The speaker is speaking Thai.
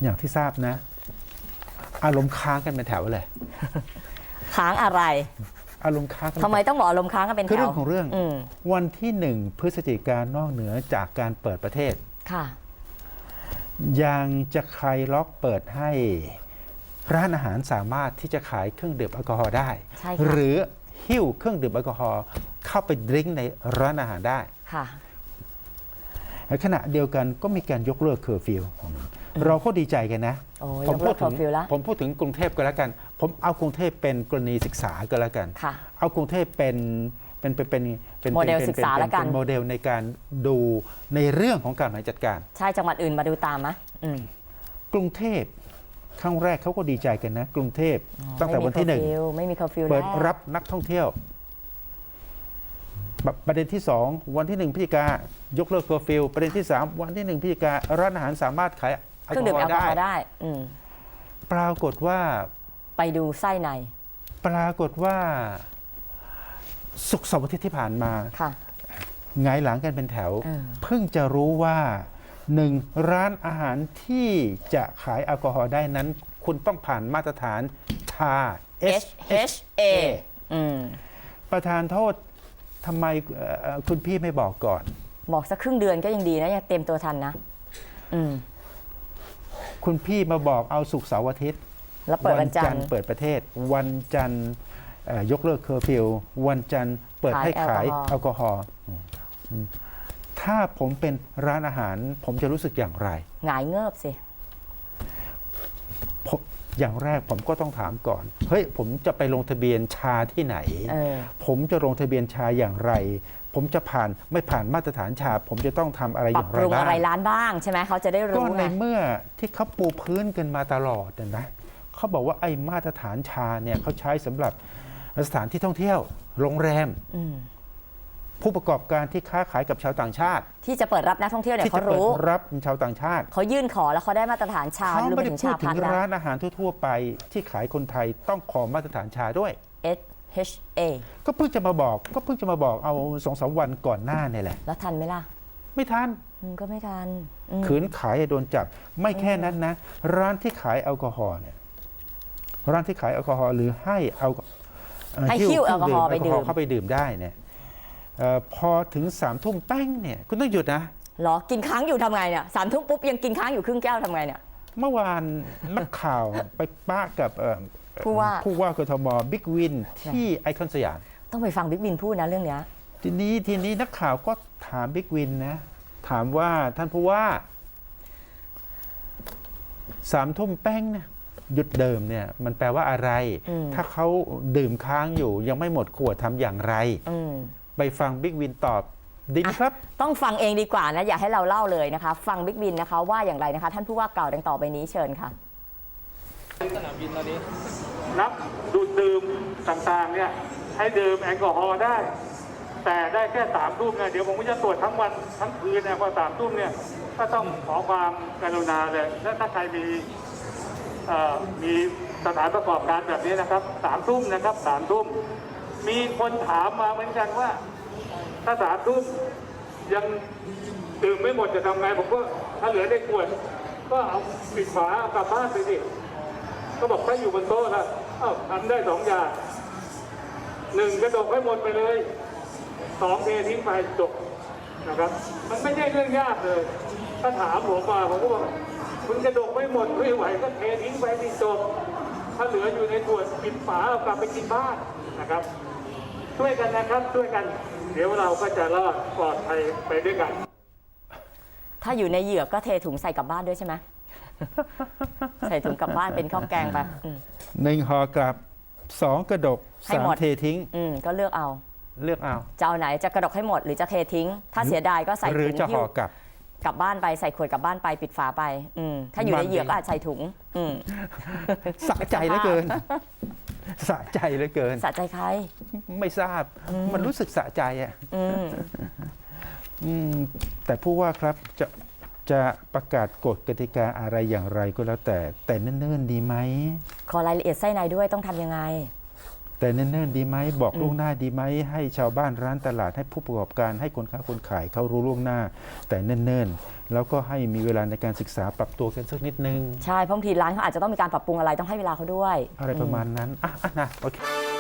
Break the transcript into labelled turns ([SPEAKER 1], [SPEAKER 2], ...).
[SPEAKER 1] อย่างที่ทราบนะ อารมณ์ค้างกันเป็นแถวเลย
[SPEAKER 2] ค้างอะไร
[SPEAKER 1] อารมณ์ค้างกัน
[SPEAKER 2] ทำไมต้องบอกอารมณ์ค้างกันเป็นแถว
[SPEAKER 1] คือเรื่องของเรื่อง
[SPEAKER 2] ม
[SPEAKER 1] วันที่1 พฤศจิกายนนอกเหนือจากการเปิดประเทศ
[SPEAKER 2] ค่ะ
[SPEAKER 1] ยังจะใครล็อกเปิดให้ร้านอาหารสามารถที่จะขายเครื่องดื่มแอลกอฮอล์ได้
[SPEAKER 2] ใช่ค่ะ
[SPEAKER 1] หรือหิ้วเครื่องดื่มแอลกอฮอล์เข้าไปดื่มในร้านอาหารได้
[SPEAKER 2] ค่ะ
[SPEAKER 1] ในขณะเดียวกันก็มีการยกเลิกเคอร์ฟิวเราก็ดีใจกันนะ
[SPEAKER 2] โอ้ย
[SPEAKER 1] ผม
[SPEAKER 2] ยกเลิกเคอร์ฟิวแล้ว
[SPEAKER 1] ผมพูดถึงกรุงเทพก็แล้วกัน ผมเอากรุงเทพเป็นกรณีศึกษาก็แล้วกัน
[SPEAKER 2] ค่ะ
[SPEAKER 1] เอากรุงเทพเป็น
[SPEAKER 2] โมเดลศึกษาแล้วกัน
[SPEAKER 1] เป็นโมเดลในการดูในเรื่องของการบริหารจัดการ
[SPEAKER 2] ใช่จังหวัดอื่นมาดูตามมะ
[SPEAKER 1] กรุงเทพครั้งแรกเขาก็ดีใจกันนะ กรุงเทพตั้งแต่วันที่
[SPEAKER 2] ไม่มีเคอร์ฟิว
[SPEAKER 1] 1 เปิด
[SPEAKER 2] แล้ว
[SPEAKER 1] รับนักท่องเที่ยว ประเด็นที่ 2 วันที่ 1 พฤศจิกายกเลิกเคอร์ฟิวประเด็นที่ 3 วันที่ 1 พฤศจิการ้านอาหารสามารถขายแอ
[SPEAKER 2] เค
[SPEAKER 1] ล
[SPEAKER 2] รื่อง
[SPEAKER 1] ก
[SPEAKER 2] ดื่
[SPEAKER 1] อ
[SPEAKER 2] ม
[SPEAKER 1] ฮอ
[SPEAKER 2] แอล
[SPEAKER 1] ล์
[SPEAKER 2] กอ
[SPEAKER 1] ได้
[SPEAKER 2] ฮอล์ได้
[SPEAKER 1] ปรากฏว่า
[SPEAKER 2] ไปดูไส้ใน
[SPEAKER 1] ศุกร์เสาร์อาทิตย์ที่ผ่านมา
[SPEAKER 2] ค่ะ
[SPEAKER 1] ไงายหลังกันเป็นแถว
[SPEAKER 2] เออ
[SPEAKER 1] เพิ่งจะรู้ว่า1 ร้านอาหารที่จะขายแอลกอฮอล์ได้นั้น คุณต้องผ่านมาตรฐานทา
[SPEAKER 2] HHA
[SPEAKER 1] ประธานโทษทำไมคุณพี่ไม่บอกก่อน
[SPEAKER 2] บอกสักครึ่งเดือนก็ยังดีนะยังเต็มตัวทันนะ
[SPEAKER 1] คุณพี่มาบอกเอาศุกร์เสาร์อาทิตย์
[SPEAKER 2] แล้วเปิดวันจันทร์
[SPEAKER 1] เปิดประเทศ วันจันทร์ยกเลิกเคอร์ฟิววันจันทร์เปิดให้ขายแอลกอฮอล์ถ้าผมเป็นร้านอาหาร ผมจะรู้สึกอย่างไร
[SPEAKER 2] หงายเงิบสิ
[SPEAKER 1] อย่างแรกผมก็ต้องถามก่อน เฮ้ย ผมจะไปลงทะเบียนชาที่ไหน ผมจะลงทะเบียนชาอย่างไร ผมจะไม่ผ่านมาตรฐานชา ผมจะต้องทำอะไร
[SPEAKER 2] ป
[SPEAKER 1] อ
[SPEAKER 2] รับ
[SPEAKER 1] ย่าง
[SPEAKER 2] ป
[SPEAKER 1] ไร
[SPEAKER 2] รุง
[SPEAKER 1] บ้าง
[SPEAKER 2] อะไรร้านบ้างใช่ไหมเขาจะได้
[SPEAKER 1] ก็
[SPEAKER 2] รู้
[SPEAKER 1] ใน
[SPEAKER 2] ไง
[SPEAKER 1] เมื่อที่เขาปูพื้นกันมาตลอดนะเขาบอกว่าไอ้มาตรฐานชาเนี่ยเขาใช้สำหรับสถานที่ท่องเที่ยว โรงแรม ผู้ประกอบการที่ค้าขายกับชาวต่างชาติ
[SPEAKER 2] ที่จะเปิดรับนักท่องเที่ยวเนี่ย
[SPEAKER 1] ที่
[SPEAKER 2] เขา
[SPEAKER 1] จะเปิด
[SPEAKER 2] รู้
[SPEAKER 1] รับชาวต่างชาติ
[SPEAKER 2] เขายื่นขอแล้วเขาได้มาตรฐานชา
[SPEAKER 1] เขา
[SPEAKER 2] รวม
[SPEAKER 1] ไม่
[SPEAKER 2] ไป
[SPEAKER 1] ได้
[SPEAKER 2] ถึง
[SPEAKER 1] พู
[SPEAKER 2] ชา
[SPEAKER 1] ดถึ
[SPEAKER 2] พั
[SPEAKER 1] ง
[SPEAKER 2] ฒน์นะ
[SPEAKER 1] ร้านอาหารทั่วๆไปที่ขายคนไทยต้องขอมาตรฐานชาด้วย
[SPEAKER 2] SHA
[SPEAKER 1] ก็เพิ่งจะมาบอกเอา2-3 วันก่อนหน้าเนี่ยแหละ
[SPEAKER 2] แล้วทันไหมล่ะ
[SPEAKER 1] ไม่ทัน
[SPEAKER 2] ก็ไม่ทัน
[SPEAKER 1] ขืนขายโดนจับ ไม่แค่นั้นนะ ร้านที่ขายแอลกอฮอล์เนี่ยร้านที่ขายแอลกอฮอล์หรือให้
[SPEAKER 2] หิ้วแอลกอฮอล์ไปดื่ม
[SPEAKER 1] เข้าไปดื่มได้เนี่ยพอถึง3 ทุ่มแป้งเนี่ยคุณต้องหยุดนะ
[SPEAKER 2] เหรอกินค้างอยู่ทำไงเนี่ย3 ทุ่มปุ๊บยังกินค้างอยู่ครึ่งแก้วทำไงเนี่ย
[SPEAKER 1] เมื่อวานนักข่าวไปป้ากับผู้ว่ากทมบิ๊กวินที่ไอคอนสยาม
[SPEAKER 2] ต้องไปฟังบิ๊กบินพูดนะเรื่องเนี้ย
[SPEAKER 1] ทีนี้นักข่าวก็ถามบิ๊กวินนะถามว่าท่านผู้ว่า3 ทุ่มแป้งเนี่ยหยุดเดิมเนี่ยมันแปลว่าอะไร ถ้าเขาดื่มค้างอยู่ยังไม่หมดขวดทำอย่างไรไปฟังบิ๊กวินตอบดีไหมครับ
[SPEAKER 2] ต้องฟังเองดีกว่านะอย่าให้เราเล่าเลยนะคะ ฟังบิ๊กบินนะคะว่าอย่างไรนะคะ ท่านผู้ว่ากล่าวดังต่อไปนี้เชิญค่ะ
[SPEAKER 3] สนามบินตอนนี้
[SPEAKER 4] นักดูดดื่มต่างๆเนี่ยให้ดื่มแอลกอฮอล์ได้ แต่ได้แค่3 ทุ่มนะเดี๋ยวผมก็จะตรวจทั้งวันทั้งคืนนะพอ3 ทุ่มเนี่ยก็ต้องขอความกรุณาเลยและถ้าใครมีสถานประกอบการแบบนี้นะครับ3 ทุ่มนะครับ3 ทุ่มมีคนถามมาเหมือนกันว่าถ้า3 ทุ่มยังดื่มไม่หมดจะทำไงผมก็ถ้าเหลือได้ขวดก็เอาปิดฝาเอากลับบ้านไปสิก็บอกถ้าอยู่บนโต๊ะนะทำได้2 อย่าง 1กระดกให้หมดไปเลย2เททิ้งไปจบนะครับมันไม่ใช่เรื่องยากเลยถ้าถามผมมาผมก็บอกคุณกระดกไม่หมดไม่ไหวก็เททิ้งไปสิจบถ้าเหลืออยู่ในขวดปิดฝาเอากลับไปกินบ้านนะครับช่วยกันนะครับช่วยกันเดี๋ยวเราก็จะรอดปลอดภัยไปด้วยกัน
[SPEAKER 2] ถ้าอยู่ในเหยือกก็เทถุงใส่กลับบ้านด้วยใช่ไหม ใส่ถุงกลับบ้านเป็นข้าวแกงไป
[SPEAKER 1] 1 ห่อกลับ 2 กระดก
[SPEAKER 2] ให้หมด
[SPEAKER 1] 3 เททิ้ง
[SPEAKER 2] ก็เลือกเอาจะเอาไหนจะกระดกให้หมดหรือจะเททิ้ง ถ้าเสียดายก็ใส่
[SPEAKER 1] หรือ
[SPEAKER 2] ถุง
[SPEAKER 1] จะ
[SPEAKER 2] หิ้
[SPEAKER 1] ห่
[SPEAKER 2] ว
[SPEAKER 1] อกลับ
[SPEAKER 2] กลับบ้านไปใส่ขวดกลับบ้านไปปิดฝาไปถ้าอยู่ในเหยือกก็อาจใส่ถุง
[SPEAKER 1] สะใจเหลือเกิน สะใจเหลือเกิน
[SPEAKER 2] สะใจใคร
[SPEAKER 1] ไม่ทราบมันรู้สึกสะใจอ่ะแต่ผู้ว่าครับจะประกาศกฎกติกาอะไรอย่างไรก็แล้วแต่เนิ่นๆดีไหม
[SPEAKER 2] ขอรายละเอียดไส้ในด้วยต้องทำยังไง
[SPEAKER 1] แแต่เนิ่นๆดีไหมบอกล่วงหน้าดีไหมให้ชาวบ้านร้านตลาดให้ผู้ประกอบการให้คนค้าคนขายเขารู้ล่วงหน้า แต่เนิ่นๆแล้วก็ให้มีเวลาในการศึกษาปรับตัวกันสักนิดนึง
[SPEAKER 2] ใช่เพราะบางทีร้านเขาอาจจะต้องมีการปรับปรุงอะไรต้องให้เวลาเขาด้วย
[SPEAKER 1] อะไรประมาณนั้นนะโอเค